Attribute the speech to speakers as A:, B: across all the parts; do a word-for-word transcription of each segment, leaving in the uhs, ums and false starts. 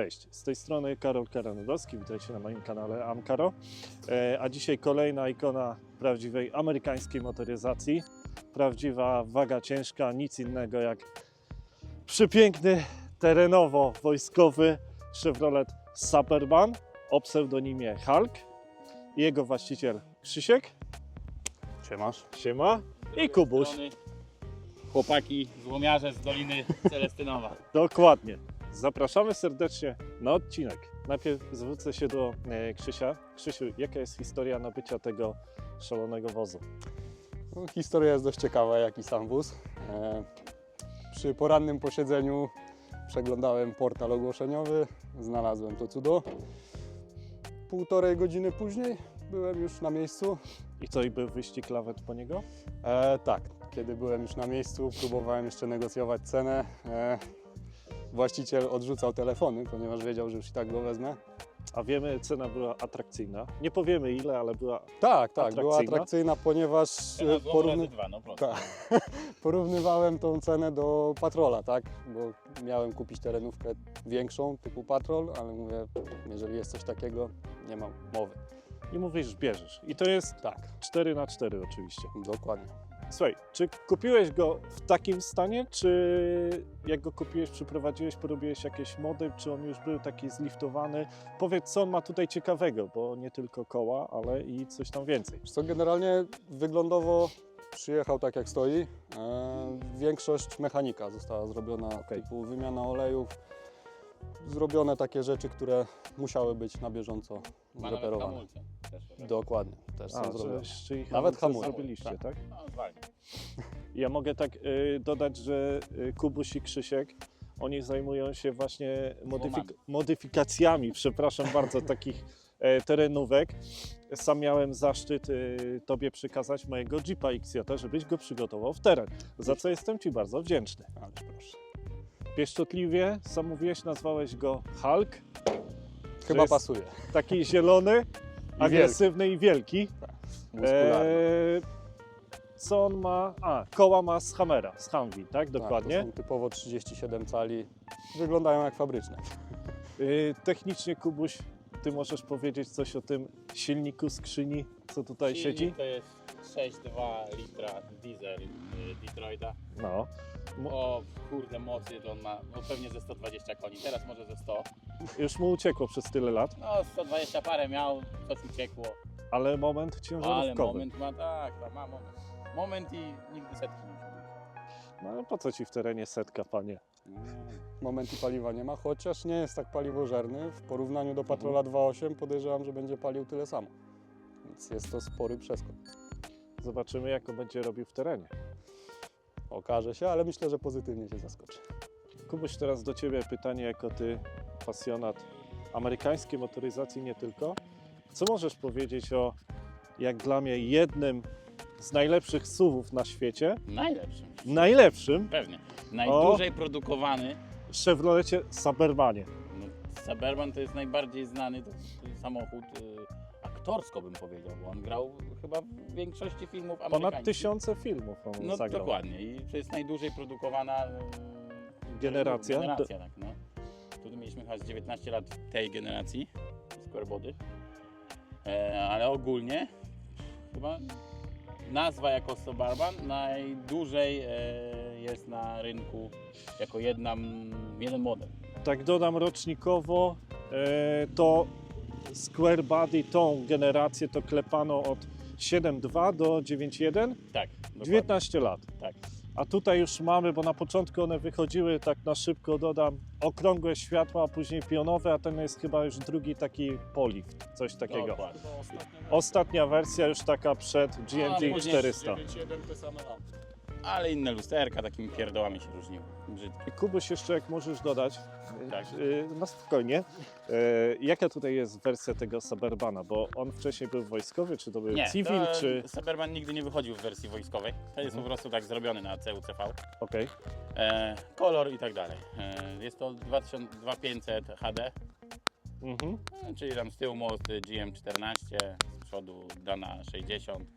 A: Cześć, z tej strony Karol Karanowski, witajcie na moim kanale Amkaro. E, a dzisiaj kolejna ikona prawdziwej amerykańskiej motoryzacji. Prawdziwa waga ciężka, nic innego jak przepiękny, terenowo-wojskowy Chevrolet Suburban o pseudonimie Hulk. Jego właściciel Krzysiek.
B: Siemasz.
A: Siema. I Kubuś.
B: Chłopaki, złomiarze z Doliny Celestynowa.
A: Dokładnie. Zapraszamy serdecznie na odcinek. Najpierw zwrócę się do e, Krzysia. Krzysiu, jaka jest historia nabycia tego szalonego wozu?
C: No, historia jest dość ciekawa, jak i sam wóz. E, przy porannym posiedzeniu przeglądałem portal ogłoszeniowy, znalazłem to cudo. Półtorej godziny później byłem już na miejscu.
A: I co, i był wyścig lawet po niego?
C: E, tak, kiedy byłem już na miejscu, próbowałem jeszcze negocjować cenę. E, właściciel odrzucał telefony, ponieważ wiedział, że już i tak go wezmę.
A: A wiemy, cena była atrakcyjna. Nie powiemy ile, ale była
C: Tak, tak,
A: atrakcyjna.
C: była atrakcyjna, ponieważ e, porówny...
B: dwa, no prosto.
C: Tak. Porównywałem tą cenę do Patrola, tak? Bo miałem kupić terenówkę większą, typu Patrol, ale mówię, jeżeli jest coś takiego, nie mam mowy.
A: I mówisz, bierzesz. I to jest
C: Tak,
A: cztery na cztery oczywiście.
C: dokładnie.
A: Słuchaj, czy kupiłeś go w takim stanie, czy jak go kupiłeś, przyprowadziłeś, porobiłeś jakieś mody, czy on już był taki zliftowany? Powiedz, co on ma tutaj ciekawego, bo nie tylko koła, ale i coś tam więcej.
C: Wiesz co, generalnie wyglądowo przyjechał tak jak stoi. E, większość mechanika została zrobiona,
A: Okej.
C: typu wymiana olejów. Zrobione takie rzeczy, które musiały być na bieżąco
B: Ma nawet
C: zreperowane.
B: hamulce też, tak?
C: Dokładnie, też są
A: A,
C: zrobione.
A: że, czyli
C: Nawet
A: hamulce
C: hamulce,
A: zrobiliście, tak?
C: tak.
B: No, zwalnia.
A: Ja mogę tak y, dodać, że y, Kubuś i Krzysiek, oni zajmują się właśnie modyfik modyfikacjami, przepraszam bardzo, takich e, terenówek. Sam miałem zaszczyt y, Tobie przekazać mojego Jeepa X J, żebyś go przygotował w teren, za co jestem Ci bardzo wdzięczny.
C: Ależ proszę.
A: Pieszczotliwie, sam mówiłeś, nazwałeś go Hulk.
C: Chyba
A: jest
C: pasuje.
A: Taki zielony, agresywny i wielki.
C: Muskularny.
A: Eee, co on ma? A, koła ma z Hammera, z Humvee, tak? Dokładnie.
C: Tak, to są typowo trzydzieści siedem cali. Wyglądają jak fabryczne.
A: Yy, technicznie, Kubuś, Ty możesz powiedzieć coś o tym silniku skrzyni, co tutaj
B: Silnik
A: siedzi?
B: to jest sześć przecinek dwa litra diesel y, Detroita.
A: No. Mo-
B: O kurde mocy to on ma no, pewnie ze sto dwadzieścia koni, teraz może ze sto.
A: Już mu uciekło przez tyle lat,
B: No sto dwadzieścia parę miał, coś uciekło.
A: ale moment
B: Ale
A: ciężarówkowy.
B: moment ma, tak, tak, ma moment. Moment i nigdy setki nie osiągnie.
A: No ale po co Ci w terenie setka, panie?
C: Moment i paliwa nie ma, chociaż nie jest tak paliwożerny. W porównaniu do Patrola dwa przecinek osiem podejrzewam, że będzie palił tyle samo. Więc jest to spory przeskok.
A: Zobaczymy, jak on będzie robił w terenie.
C: Okaże się, ale myślę, że pozytywnie się zaskoczy.
A: Kubuś, teraz do Ciebie pytanie, jako Ty pasjonat amerykańskiej motoryzacji, nie tylko. Co możesz powiedzieć o, jak dla mnie, jednym z najlepszych S U V-ów na świecie,
B: Najlepszym.
A: najlepszym
B: Pewnie. Najdłużej produkowany.
A: Chevrolecie Suburbanie.
B: No, Suburban to jest najbardziej znany to, to samochód y, aktorsko bym powiedział, bo on grał chyba w większości filmów amerykańskich.
A: Ponad tysiące filmów on
B: No
A: zagrał.
B: dokładnie i to jest najdłużej produkowana y,
A: Generacja.
B: generacja tak, no. Tu mieliśmy chyba z dziewiętnaście lat tej generacji Square Body, e, ale ogólnie chyba nazwa jako Suburban najdłużej e, jest na rynku jako jedna, jeden model.
A: Tak dodam rocznikowo, e, to Square Body, tą generację to klepano od siedem dwa do dziewięć jeden,
B: Tak, dokładnie.
A: dziewiętnaście lat.
B: Tak.
A: A tutaj już mamy, bo na początku one wychodziły, tak na szybko dodam, okrągłe światła, a później pionowe, a ten jest chyba już drugi taki polift, coś takiego.
B: Dokładnie.
A: Ostatnia wersja już taka przed G M
B: A,
A: G
B: później
A: czterysta.
B: Ale inne lusterka takimi pierdołami się różniły. Brzydkie.
A: Kubuś, jeszcze jak możesz dodać,
B: Tak.
A: yy, no spokojnie, yy, jaka tutaj jest wersja tego Suburbana, bo on wcześniej był wojskowy, czy to był
B: Nie,
A: civil,
B: to
A: czy...
B: Suburban nigdy nie wychodził w wersji wojskowej. To jest po prostu tak zrobiony na C U C V.
A: Okej,
B: E, kolor i tak dalej. E, jest to dwa tysiące pięćset H D,
A: mhm.
B: e, czyli tam z tyłu most G M czternaście, z przodu Dana sześćdziesiąt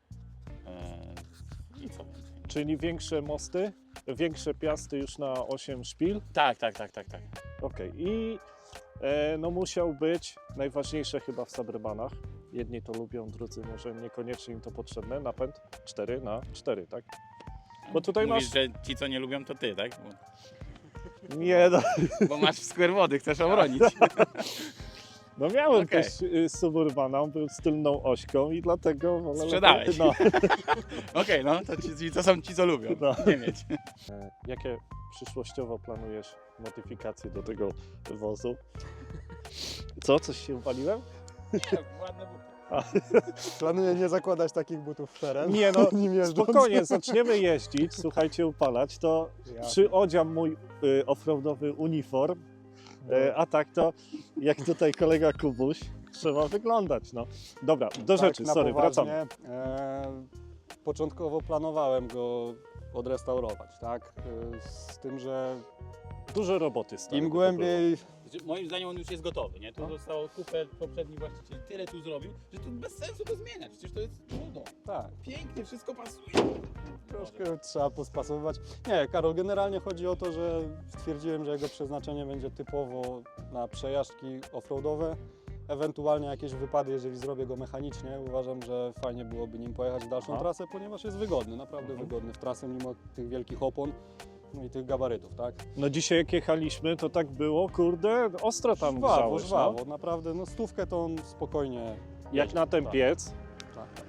B: e, i co więcej.
A: Czyli większe mosty, większe piasty już na osiem szpil.
B: Tak, tak, tak, tak, tak.
A: Okej, i E, no musiał być, najważniejsze chyba w Suburbanach. Jedni to lubią, drudzy może niekoniecznie im to potrzebne. Napęd cztery na cztery, tak? Bo tutaj
B: Mówisz,
A: masz...
B: że ci, co nie lubią, to ty, tak? Bo,
A: Nie, no,
B: bo masz w square wody, chcesz obronić.
A: no miałem
B: Okej.
A: też y, Suburbana, on był z tylną ośką i dlatego... wolę-
B: Sprzedałeś.
A: No.
B: Okej, no to, ci, to są ci, co lubią.
A: No.
B: Nie mieć.
A: E, Jakie przyszłościowo planujesz modyfikacje do tego wozu? Co? Coś się upaliłem?
B: Nie, ładne buty.
C: Planuję nie zakładać takich butów w teren.
A: Nie no,
C: nim jeżdżąc.
A: spokojnie, zaczniemy jeździć, słuchajcie, upalać, to
C: Ja.
A: przyodziam mój y, offroadowy uniform, e, a tak to, jak tutaj kolega Kubuś, trzeba wyglądać, no. Dobra, do
C: Tak,
A: rzeczy,
C: na
A: sorry,
C: poważnie,
A: wracamy.
C: E, początkowo planowałem go odrestaurować, tak? E, z tym, że
A: Dużo roboty stary,
C: im
A: by to
C: głębiej
B: Znaczy, moim zdaniem on już jest gotowy, nie? Tu zostało kupę poprzedni właściciel, tyle tu zrobił, że tu bez sensu to zmieniać, przecież to jest trudno.
C: tak,
B: Pięknie, wszystko pasuje.
C: troszkę trzeba pospasować. Nie, Karol, generalnie chodzi o to, że stwierdziłem, że jego przeznaczenie będzie typowo na przejażdżki offroadowe, ewentualnie jakieś wypady, jeżeli zrobię go mechanicznie. Uważam, że fajnie byłoby nim pojechać w dalszą
A: Aha.
C: trasę, ponieważ jest wygodny, naprawdę
A: Mhm.
C: wygodny w trasę, mimo tych wielkich opon, no i tych gabarytów, tak?
A: No dzisiaj jak jechaliśmy, to tak było, kurde, ostro tam
C: Żwawo,
A: grzałeś,
C: żwawo,
A: no.
C: naprawdę, no stówkę to on spokojnie
A: Jak
C: jedzie.
A: na ten
C: Tak,
A: piec.
C: tak, tak.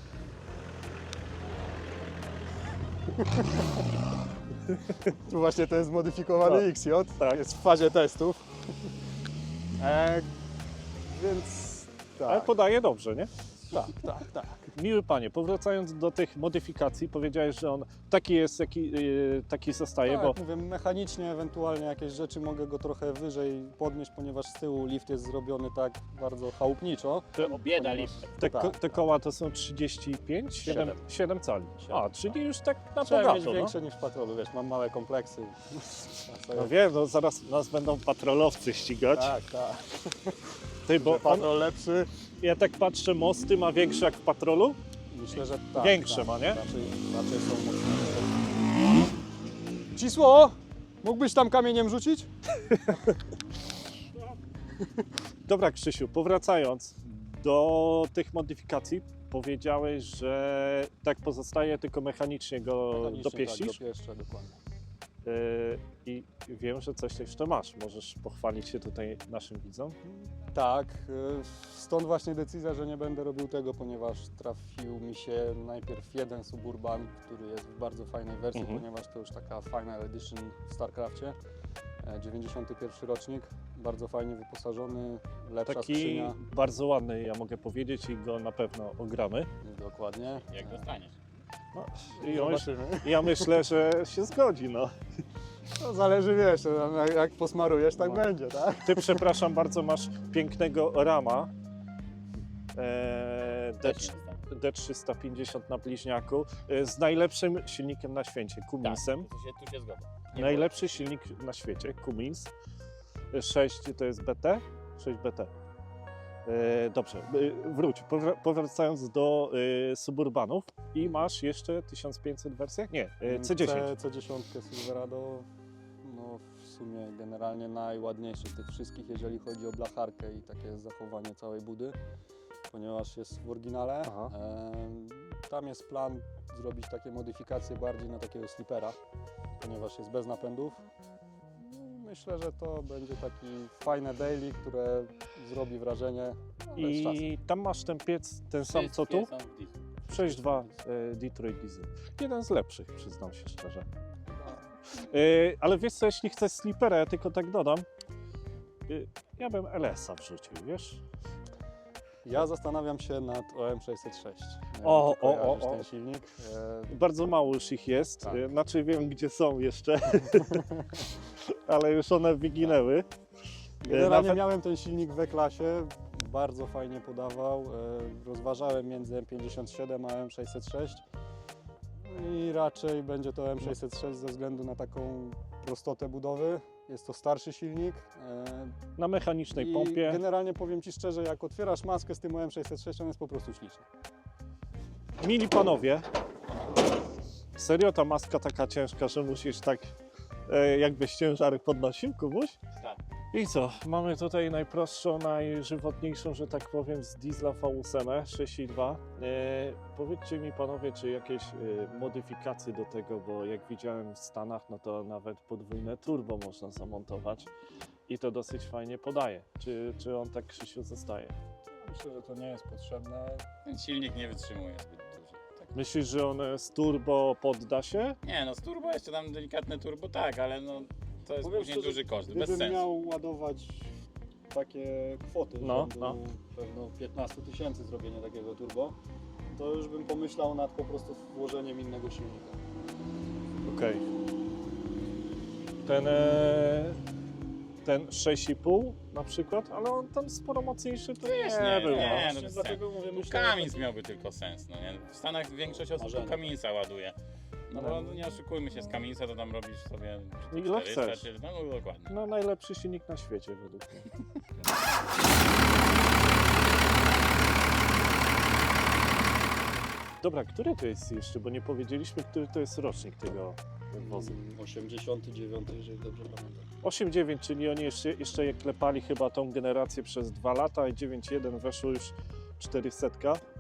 C: Tu właśnie ten zmodyfikowany
A: Tak.
C: X J,
A: Tak.
C: jest w fazie testów. E, więc
A: Ale
C: tak,
A: podaje dobrze, nie?
C: tak, tak, tak.
A: Miły panie, powracając do tych modyfikacji, powiedziałeś, że on taki jest, jaki, yy, taki zostaje,
C: Tak,
A: bo
C: mówię, mechanicznie ewentualnie jakieś rzeczy mogę go trochę wyżej podnieść, ponieważ z tyłu lift jest zrobiony tak bardzo chałupniczo.
A: te,
B: Bieda
C: Ponieważ-
B: lift.
A: te,
C: tak,
A: ko, te koła to są trzydzieści pięć? siedem,
B: Siedem.
A: siedem cali. A, czyli już tak na
C: Trzeba mieć
A: bogato, no.
C: większe niż w patrolu, wiesz, mam małe kompleksy.
A: No wiem, no zaraz nas będą patrolowcy ścigać.
C: Tak, tak.
A: Ty, bo on,
C: Patrol lepszy.
A: ja tak patrzę, mosty ma większe jak w patrolu?
C: Myślę, że tak.
A: Większe
C: tak.
A: ma, nie?
C: Raczej, raczej są mocniejsze. Cisło! Mógłbyś tam kamieniem rzucić?
A: Dobra Krzysiu, powracając do tych modyfikacji, powiedziałeś, że tak pozostaje, tylko mechanicznie go
C: Mechanicznie,
A: dopieścisz.
C: Tak, dopieszczę, dokładnie.
A: Yy, I wiem, że coś jeszcze masz. Możesz pochwalić się tutaj naszym widzom.
C: Tak, y, stąd właśnie decyzja, że nie będę robił tego, ponieważ trafił mi się najpierw jeden Suburban, który jest w bardzo fajnej wersji,
A: Mhm.
C: ponieważ to już taka Final Edition w StarCraftie. e, dziewięćdziesiąty pierwszy rocznik, bardzo fajnie wyposażony, lepsza
A: Taki
C: skrzynia.
A: bardzo ładny, ja mogę powiedzieć, i go na pewno ogramy.
C: Dokładnie.
B: Jak dostaniesz.
A: No, i on,
C: Zobaczymy.
A: ja myślę, że się zgodzi. No.
C: No, zależy, wiesz, jak, jak posmarujesz, tak
A: No.
C: będzie, tak?
A: Ty, przepraszam bardzo, masz pięknego rama. E, D,
B: Też się dostanie.
A: D trzysta pięćdziesiąt na bliźniaku e, z najlepszym silnikiem na świecie, Cuminsem.
B: Tak, tu się, tu się zgodzę. Nie
A: Najlepszy silnik na świecie, Cummins. sześć to jest B T? sześć B T. E, dobrze, e, wróć. Powra- powracając do e, Suburbanów i masz jeszcze tysiąc pięćset wersję? Nie, e, C dziesięć.
C: C, C dziesięć Silverado, no w sumie generalnie najładniejszy z tych wszystkich, jeżeli chodzi o blacharkę i takie zachowanie całej budy, ponieważ jest w oryginale.
A: Aha.
C: Em, tam jest plan zrobić takie modyfikacje bardziej na takiego slipera, ponieważ jest bez napędów. Myślę, że to będzie taki fajne daily, które zrobi wrażenie, ale z czasem.
A: I tam masz ten piec, ten sam co tu?
B: Wszystkie są w dieslu.
A: sześć dwa e, Detroit Diesel. Jeden z lepszych, przyznam się szczerze. E, ale wiesz co, jeśli chcesz slipera, ja tylko tak dodam, e, ja bym L S a wrzucił, wiesz?
C: Ja zastanawiam się nad O M sześćset sześć. Nie
A: O,
C: wiem, czy
A: o, o,
C: kojarzysz
A: o.
C: ten silnik. E,
A: Bardzo mało już ich jest,
C: Tak.
A: e, znaczy wiem gdzie są jeszcze, ale już one wyginęły.
C: Generalnie
A: Nawet-
C: miałem ten silnik w E-klasie, bardzo fajnie podawał. e, Rozważałem między M pięćdziesiąt siedem a M sześćset sześć i raczej będzie to M sześćset sześć ze względu na taką prostotę budowy. Jest to starszy silnik. e,
A: Na mechanicznej
C: i
A: pompie.
C: generalnie powiem Ci szczerze, jak otwierasz maskę z tym O M sześćset sześć, on jest po prostu śliczny.
A: Mili panowie, serio ta maska taka ciężka, że musisz tak e, jakbyś ciężary podnosił, Kubuś?
B: Tak.
A: I co? Mamy tutaj najprostszą, najżywotniejszą, że tak powiem, z diesla V osiem sześć i dwa. E, powiedzcie mi panowie, czy jakieś e, modyfikacje do tego, bo jak widziałem w Stanach, no to nawet podwójne turbo można zamontować i to dosyć fajnie podaje. Czy, czy on tak, Krzysiu, zostaje?
C: Myślę, że to nie jest potrzebne.
B: Ten silnik nie wytrzymuje zbyt dużo. Tak.
A: Myślisz, że on z turbo podda się?
B: Nie no, z turbo jeszcze tam delikatne turbo tak, ale no to jest
C: Powiem
B: później
C: szczerze,
B: duży koszt, bez
C: Gdybym
B: sensu.
C: miał ładować takie kwoty,
A: No,
C: rzędu
A: no.
C: pewno piętnaście tysięcy zrobienie takiego turbo, to już bym pomyślał nad po prostu włożeniem innego silnika.
A: Okej. Ten, e, ten sześć i pół na przykład, ale on tam sporo mocniejszy to
B: Wiesz,
A: nie,
B: nie,
A: był.
B: nie,
A: no.
B: no
C: Właśnie
B: bez
C: dlatego mówię,
B: Tu
C: myślę,
B: Cummins miałby tylko sens, no nie? W Stanach większość osób
C: Marzenie.
B: tu Cumminsa ładuje. No
A: No.
B: bo no nie oszukujmy się, z Cumminsa to tam robisz sobie czy to
A: Ile
B: czterysta,
A: chcesz.
B: Czy, no, no dokładnie.
A: No najlepszy silnik na świecie według mnie. Dobra, który to jest jeszcze, bo nie powiedzieliśmy, który to jest rocznik tego wozu.
C: osiemdziesiąty dziewiąty, jeżeli dobrze pamiętam.
A: osiem dziewięć, czyli oni jeszcze, jeszcze je klepali chyba tą generację przez dwa lata i dziewięć jeden weszło już czterysta.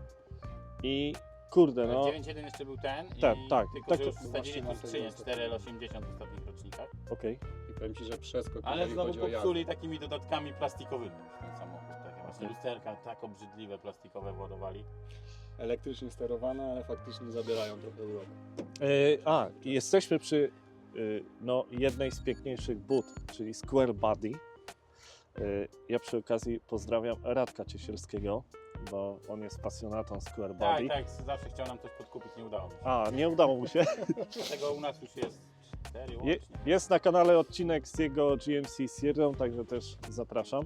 A: I kurde, no
B: dziewięć jeden jeszcze był ten
A: Tak,
B: i
A: tak,
B: tylko,
A: tak,
B: że już
C: to
B: wsadzili
C: właśnie
B: tu
C: na
B: skrzynię
C: tego
B: cztery L osiemdziesiąt w ostatnich rocznikach.
A: okej.
C: I powiem Ci, że przeskok,
B: Ale
C: jeżeli
B: znowu
C: chodzi o jazdę.
B: popsuli takimi dodatkami plastikowymi już ten samochód. Takie właśnie
A: Okej.
B: lusterka tak obrzydliwe plastikowe władowali.
C: Elektrycznie sterowane, ale faktycznie zabierają trochę uroku.
A: E, a, i jesteśmy przy e, no, jednej z piękniejszych bud, czyli Square Body. E, ja przy okazji pozdrawiam Radka Ciesielskiego, bo on jest pasjonatą Square
B: Tak,
A: Body.
B: tak, zawsze chciał nam coś podkupić, nie udało mu się.
A: A, nie udało mu się.
B: Dlatego u nas już jest cztery
A: Je,
B: łącznie.
A: jest na kanale odcinek z jego G M C Sierra, także też zapraszam.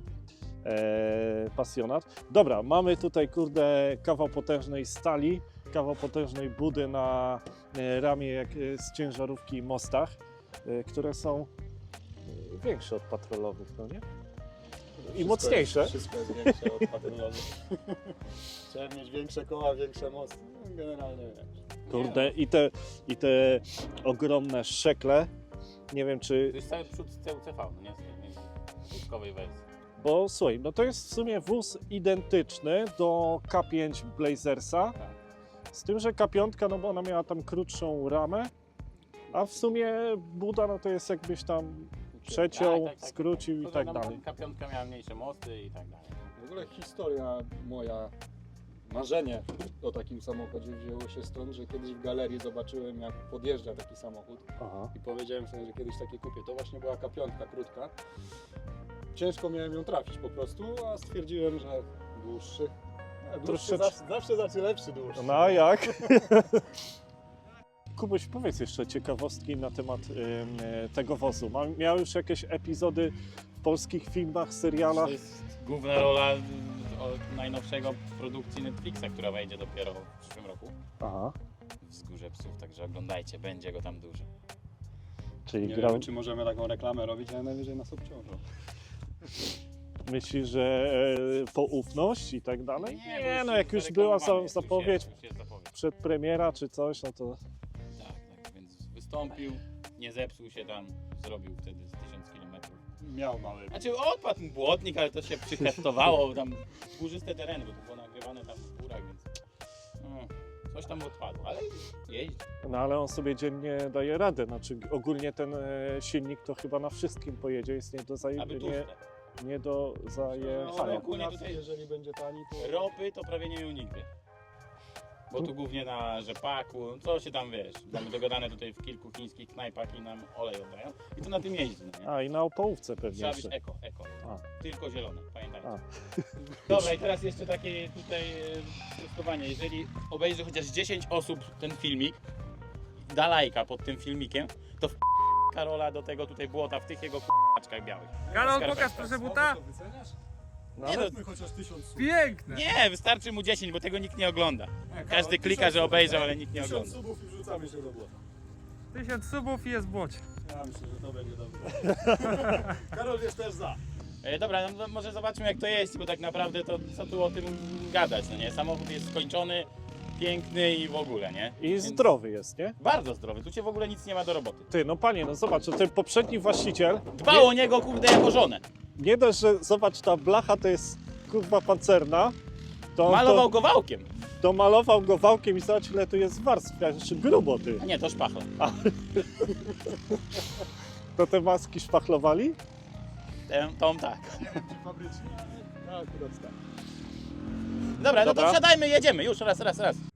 A: E, pasjonat. Dobra, mamy tutaj kurde kawał potężnej stali, kawał potężnej budy na e, ramię jak e, z ciężarówki i mostach, e, które są e, większe od patrolowych, no nie?
C: Wszystko
A: mocniejsze.
C: Jest, wszystko jest większe od patrolowych. Trzeba mieć większe koła, większe mosty. No, generalnie wiesz.
A: Kurde, i te, i te ogromne szekle, nie wiem czy,
B: To jest cały przód z C U C V, no nie? Z tej wózkowej wersji.
A: bo słuchaj, no to jest w sumie wóz identyczny do K pięć Blazersa,
B: Tak.
A: z tym, że K pięć, no bo ona miała tam krótszą ramę, a w sumie buda, no to jest jakbyś tam przeciął,
B: Tak, tak, tak,
A: skrócił i
B: To,
A: tak
B: że
A: dalej.
B: K pięć miała mniejsze mosty i tak dalej.
C: W ogóle historia moja, marzenie o takim samochodzie wzięło się stąd, że kiedyś w galerii zobaczyłem, jak podjeżdża taki samochód
A: Aha.
C: i powiedziałem sobie, że kiedyś takie kupię. To właśnie była K pięć krótka. Ciężko miałem ją trafić po prostu, a stwierdziłem, że dłuższy. A dłuższy
A: Troszecz-
C: zawsze, zawsze znaczy lepszy dłuższy.
A: No a jak? Kubuś, powiedz jeszcze ciekawostki na temat ym, e, tego wozu. Ma, miał już jakieś epizody w polskich filmach, serialach?
B: To jest główna rola od najnowszego produkcji Netflixa, która wejdzie dopiero w przyszłym roku.
A: Aha,
B: Wzgórze Psów, także oglądajcie, będzie go tam dużo.
A: czyli
C: Nie
A: grał...
C: wiem, czy możemy taką reklamę robić, ale najwyżej nas obciążą.
A: Myślisz, że e, poufność i tak dalej?
B: bo
A: Nie, no jak już
B: zareklamowany
A: była
B: jest,
A: za,
B: już
A: zapowiedź,
B: Jest, już jest zapowiedź.
A: przedpremiera czy coś, no to...
B: Tak, tak, więc wystąpił, nie zepsuł się tam, zrobił wtedy z tysiąc kilometrów.
C: Miał mały.
B: Znaczy odpadł mu błotnik, ale to się przyheftowało, tam górzyste tereny, bo to było nagrywane tam w górach, więc no, coś tam odpadło, ale jeździ.
A: No ale on sobie dziennie daje radę, znaczy ogólnie ten e, silnik to chyba na wszystkim pojedzie, jest nie do, zaje...
B: Aby
A: nie,
B: tłuste.
A: nie do
B: No,
A: zajechania.
B: ogólnie tutaj-
C: jeżeli będzie tani, to...
B: Ropy to prawie nie miał nigdy. Bo tu głównie na rzepaku, co się tam wiesz, mamy dogadane tutaj w kilku chińskich knajpach i nam olej oddają i to na tym jeździ, no nie?
A: A i na opołówce pewnie
B: Trzeba być
A: jeszcze.
B: eko, eko.
A: A.
B: Tylko zielone, pamiętajcie.
A: A.
B: Dobra, i teraz jeszcze takie tutaj e, sprostowanie. Jeżeli obejrzy chociaż dziesięć osób ten filmik, da lajka pod tym filmikiem, to w Karola do tego tutaj błota w tych jego p***czkach białych.
D: Karol,
B: Skarpetka.
D: pokaż proszę buta.
A: No,
B: Nie,
A: ale
B: no,
C: chociaż tysiąc słów.
D: Piękne.
B: nie, wystarczy mu dziesięć, bo tego nikt nie ogląda. Każdy klika, że obejrzał, ale nikt nie
C: Tysiąc
B: ogląda.
C: subów i wrzucamy się do błota.
D: Tysiąc subów i jest w błocie.
C: Ja myślę, że to będzie dobre. Karol jest też za.
B: E, dobra, no, może zobaczmy jak to jest, bo tak naprawdę to co tu o tym gadać, no nie? Samochód jest skończony, piękny i w ogóle, nie?
A: i
B: Więc
A: zdrowy jest, nie?
B: Bardzo zdrowy, tu cię w ogóle nic nie ma do roboty.
A: Ty, no panie, no zobacz, ten poprzedni właściciel...
B: Dbał o niego, kurde, jako żonę.
A: nie dość, że zobacz, ta blacha to jest kurwa pancerna, to,
B: Malował
A: to,
B: go wałkiem.
A: to malował go wałkiem i zobacz, ile tu jest warstw, jeszcze grubo ty.
B: A nie, to szpachla.
A: To te maski szpachlowali?
B: Tę- Tą tak.
C: Fabrycznie, no akurat tak.
B: Dobra, no
A: Dobra.
B: to wsiadajmy, jedziemy. Już, raz, raz, raz.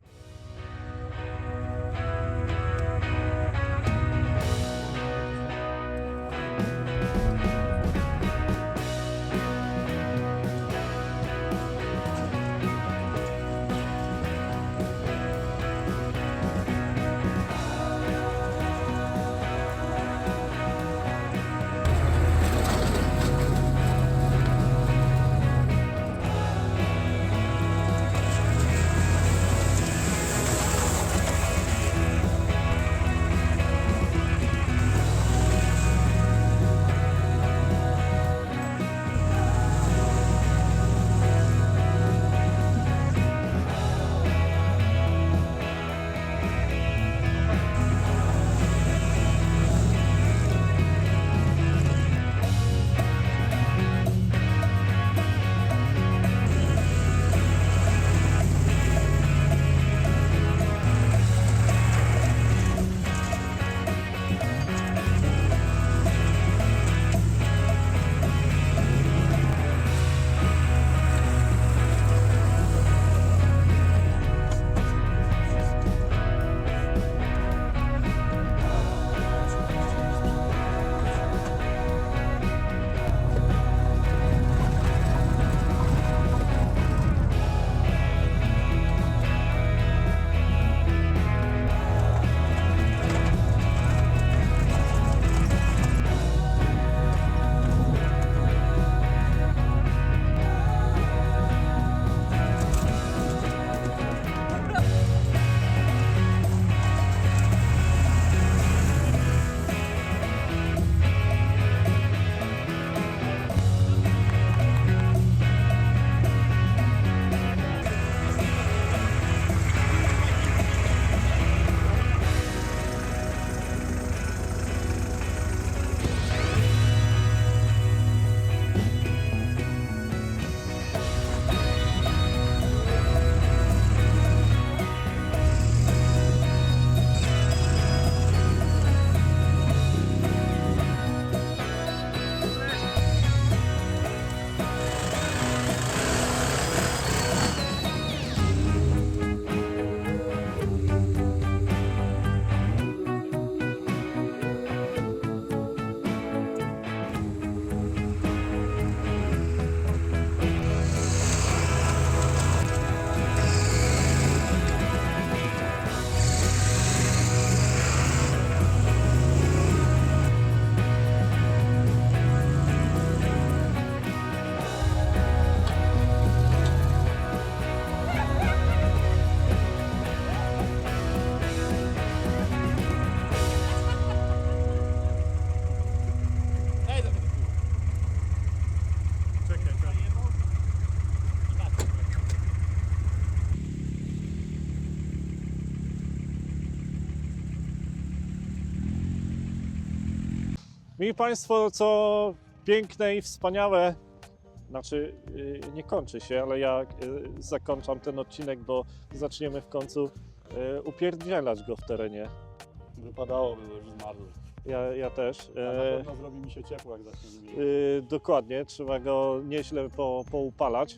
A: Mili Państwo, co piękne i wspaniałe, znaczy yy, nie kończy się, ale ja yy, zakończam ten odcinek, bo zaczniemy w końcu yy, upierdzielać go w terenie.
C: Wypadałoby, bo już zmarzł.
A: Ja, ja też.
C: A na
A: Yy,
C: pewno zrobi mi się ciepło, jak zacznie nim jeździć.
A: yy, dokładnie, trzeba go nieźle po, poupalać.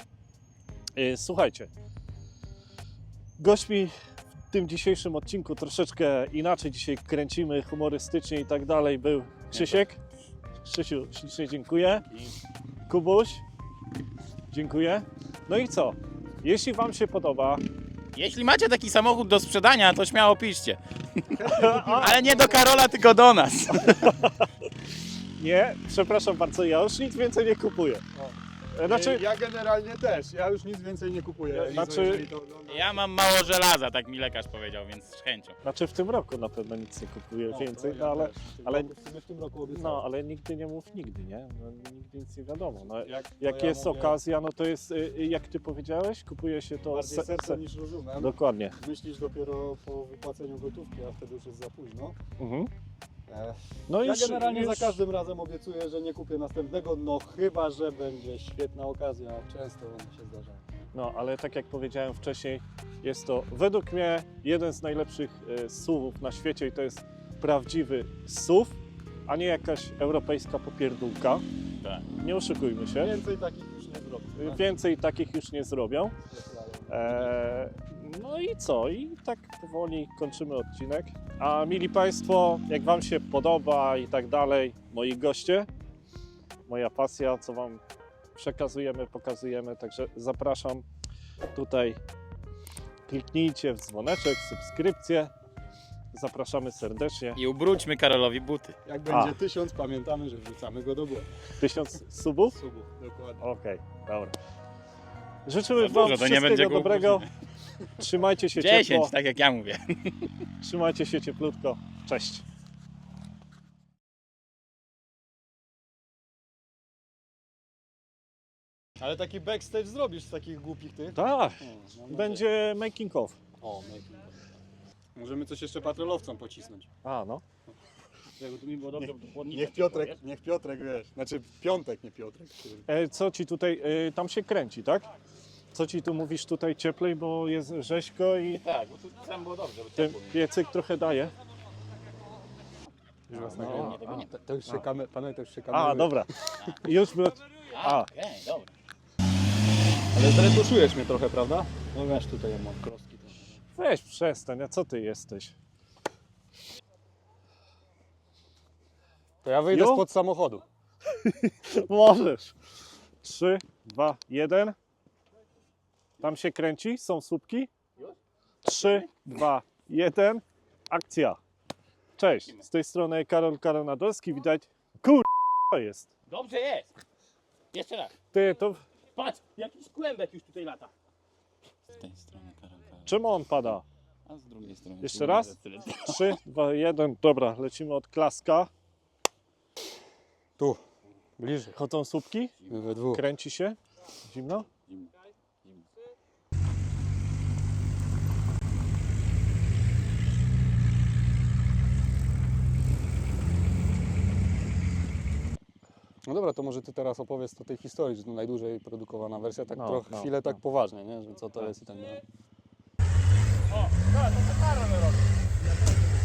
A: Yy, słuchajcie, gośćmi w tym dzisiejszym odcinku troszeczkę inaczej dzisiaj kręcimy, humorystycznie i tak dalej był Krzysiek. Krzysiu, ślicznie dziękuję. Kubuś, dziękuję. No i co? Jeśli Wam się podoba,
B: Jeśli macie taki samochód do sprzedania, to śmiało piszcie. Ale nie do Karola, tylko do nas.
A: nie, przepraszam bardzo, ja już nic więcej nie kupuję. Znaczy,
C: Ja generalnie też, ja już nic więcej nie kupuję.
A: Ja-
C: Izo,
A: znaczy-
C: jeżeli to oglądasz.
B: Ja mam mało żelaza, tak mi lekarz powiedział, więc z chęcią.
A: znaczy w tym roku na pewno nic nie kupuję
C: No,
A: więcej,
C: to
A: no
C: ja
A: ale,
C: też. W tym
A: ale-
C: roku- w sumie w tym roku obiecałem.
A: no, ale nigdy nie mów nigdy, nie? No, nigdy nic nie wiadomo. No,
C: Jak, to
A: jak
C: ja
A: jest
C: mówię,
A: okazja, no to jest, y, y, jak Ty powiedziałeś, kupuje się to...
C: Bardziej
A: se-
C: sercem
A: se-
C: niż rozumem.
A: Dokładnie.
C: Myślisz dopiero po wypłaceniu gotówki, a wtedy już jest za późno.
A: Mhm.
C: E,
A: No
C: ja
A: już,
C: generalnie
A: już...
C: za każdym razem obiecuję, że nie kupię następnego, no chyba, że będzie świetna okazja. Często one się zdarzają.
A: No, ale tak jak powiedziałem wcześniej, jest to według mnie jeden z najlepszych e, S U Vów na świecie i to jest prawdziwy S U V, a nie jakaś europejska popierdółka.
B: Tak.
A: Nie oszukujmy się.
C: Więcej takich już nie zrobię. tak?
A: Więcej takich już nie zrobią. E, no i co? I tak powoli kończymy odcinek. A mili Państwo, jak Wam się podoba i tak dalej, moi goście, moja pasja, co Wam przekazujemy, pokazujemy, także zapraszam tutaj. Kliknijcie w dzwoneczek, subskrypcję. Zapraszamy serdecznie.
B: I ubróćmy Karolowi buty.
C: Jak będzie
A: A.
C: tysiąc, pamiętamy, że wrzucamy go do błędu.
A: Tysiąc subów?
C: Subów, dokładnie.
A: Okej, dobra. Życzymy
B: Za
A: Wam
B: dużo, to nie będzie
A: wszystkiego
B: go
A: dobrego.
B: ubrudzimy.
A: Trzymajcie się ciepło.
B: dziesięć, tak jak ja mówię.
A: Trzymajcie się cieplutko. Cześć.
C: Ale taki backstage zrobisz z takich głupich tych?
A: Tak,
C: O, mam nadzieję.
A: będzie making of.
C: O, making of. Możemy coś jeszcze patrolowcom pocisnąć.
A: A, no.
B: Jakby tu mi było dobrze, bo chłodnica
C: Niech
B: przyszła,
C: Piotrek,
B: wiesz?
C: niech Piotrek, wiesz, znaczy Piątek, nie Piotrek.
A: E, co ci tutaj, e, tam się kręci, tak? Co ci tu mówisz tutaj cieplej, bo jest rzeźko i
B: Tak, bo tu tam było dobrze, bo
A: ten
B: ciepło mi.
A: piecyk trochę daje.
C: Już was
A: No,
C: nagrywam.
B: Nie, tego nie ma.
C: To, to już się
A: A.
C: kamer, panowie, to już się
A: A,
C: kameruje.
A: dobra. Już było...
B: A,
A: A.
B: okej, dobra.
C: Ale zretuszujesz mnie trochę, prawda? No wiesz, tutaj ja mam kroski trochę.
A: Weź przestań, a co ty jesteś?
C: To ja wyjdę
A: Jo?
C: spod samochodu.
A: Możesz. Trzy, dwa, jeden. Tam się kręci, są słupki. Trzy, dwa, jeden. Akcja. Cześć, z tej strony Karol Karonadolski, widać. Kur... to jest.
B: Dobrze jest. Jeszcze raz.
A: Ty, to
B: Patrz, jakiś kłębek już tutaj lata. Z tej strony Karol, Karol.
A: czemu on pada?
B: A z drugiej strony.
A: Jeszcze raz? Trzy, dwa, jeden. Dobra, lecimy od klaska.
C: Tu, bliżej.
A: Chodzą słupki,
C: My we dwóch.
A: kręci się. Zimno?
B: Zimno. Zimno.
C: No dobra, to może ty teraz opowiedz o tej historii, że to najdłużej produkowana wersja, tak
A: No,
C: trochę
A: no,
C: chwilę tak
A: no.
C: poważnie, nie? Że co to
A: Tak.
C: jest i tak dalej.
B: O, tak, to co Karol robi.